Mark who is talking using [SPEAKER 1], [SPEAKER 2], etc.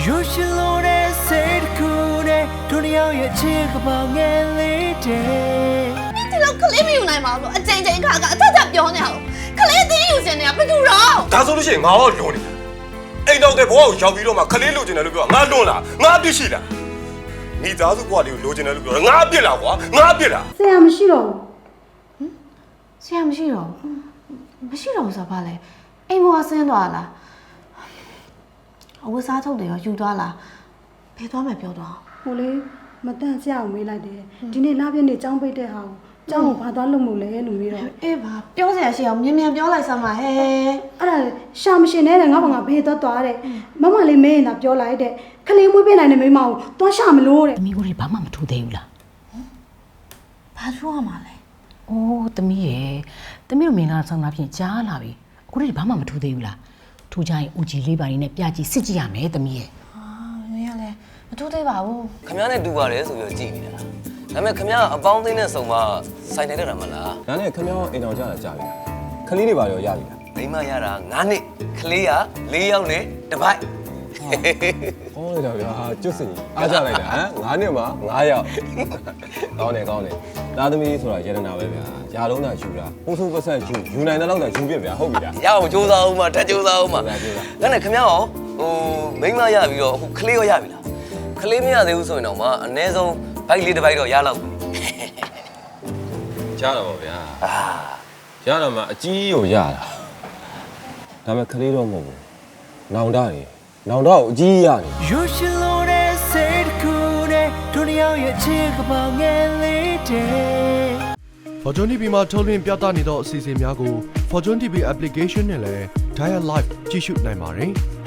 [SPEAKER 1] You should know that said cool day တို့ရောက်ရဲ့ချစ်ကပောင်ငယ်လေးတဲ့
[SPEAKER 2] ဒီလိုကလေးမယူနိုင်ပါဘူးအချိန်ချင်းခါကအထက်ထပ်ပြောနေအောင်ကလေးသိယူစင်နေတာဘယ်သူတော့
[SPEAKER 3] ဒါဆိုလို့ရှိရင်ငါတော့လွန်နေတာအိမ်တော်တဲ့ဘဝကိုရောက်ပြီးတော့မှခလေးလိုချင်တယ်လို့ပြောငါလွန်လားငါအပြစ်ရှိလားမိသားစုဘဝလေးကိုလိုချင်တယ်လို့ပြောငါအပြစ်လားကွာငါအပြစ်လား
[SPEAKER 4] ဆရာမရှိတော့ဘူး
[SPEAKER 2] ဆရာမရှိတော့မရှိတော့ဆိုပါလေအိမ်ပေါ်ဆင်းသွားလားအဝတ်စားထုတ်တယ်ရောယူသွားလားဘယ်သွားမှပြောတော့
[SPEAKER 4] ဟိုလေမတန့်ဆရာကိုမေးလိုက်တယ်ဒီနေ့လပြည့်နေ့ကျောင်းပိတ်တဲ့ဟာကိုကျောင်းကိုဘာသွားလုပ်မို့လဲလို့မေးတော့
[SPEAKER 2] အေးပါပြောစရာရှိအောင်မြန်ပြောလိုက်စမ်းပါဟဲ့
[SPEAKER 4] အဲ့ဒါရှာမရှင်နဲ့ငါဘာငါဘေးသွားတဲ့မမလေးမေးရင်သာပြောလိုက်တဲ့ခလေးမွေးပေးနိုင်တဲ့မိမကိုသွားရှာမလို့တဲ့
[SPEAKER 5] သမီးကိုဘာမှမထူသေးဘူးလား
[SPEAKER 2] ဘာထူရမှာလဲ
[SPEAKER 5] အိုးသမီးရဲ့သမီးတို့မင်္ဂလာဆောင်တာဖြင့်ကြားလာပြီအခုတည်းဘာမှမထူသေးဘူးလားထူကြရင်ဦးကြီးလေးပါရင်နဲ့ပြကြည့်စစ်ကြည့်ရမယ်သမီးရဲ့
[SPEAKER 2] မင်းကလည်းမထူသေးပါဘူး
[SPEAKER 6] ခမ ्या နဲ့တူပါတယ်ဆိုပြီးကြည့်နေတာဒါပေမဲ့ခမ ्या အပေါင်းအသင်းနဲ့ဆုံမဆိုင်နေတတ်တာမလား
[SPEAKER 7] ဒါနဲ့ခမ ्या အိမ်တော်ကြတာကြာပြီခလေးတွေပါရောရပြီလား
[SPEAKER 6] မိမရတာ9နှစ်ကလေးက4ယောက်နဲ့တစ်ပိုက်
[SPEAKER 7] ဟောလိုက်တော့ဗျာကျွတ်စင်အားကြလိုက်တာဟမ်9နှစ်မှာ9ယောက်ကောင်းတယ်သားသမီးဆိုတာရတနာပဲဗျာယာလုံးသာယူတာပိုးဆိုးပတ်ဆက်ယူနိုင်တဲ့လောက်သာယူပြဗျာဟုတ်ပြီလား
[SPEAKER 6] ရအောင်စူးစမ်းအောင်မထက်စူးစမ်းအောင်မဒါနဲ့ခမ ्या ရောမိမရပြီးတော့အခုကလေးရောရပြီလားကလေးမရသေးဘူးဆိုရင်တော့မှအနည်းဆုံးဘိုက်လေးတစ်ဘိုက်တော့ရလောက်ပြီ
[SPEAKER 7] ကြားတော့ဗျာရတော့မှအကြီးကိုရတာဒါပေမဲ့ကလေးတော့မဟုတ်ဘူးနောင်တတွေနောင်တော့အကြီးရတယ်
[SPEAKER 1] You should know that said cool day တို့ရောက်ရဲ့ချစ်ကပောင်ငယ်လေးတဲ့
[SPEAKER 8] Fortune TV မှာထုတ်လွှင့်ပြသနေသောအစီအစဉ်များကို Fortune TV application နဲ့လည်း Dial Live ကြည့်ရှုနိုင်ပါတယ်။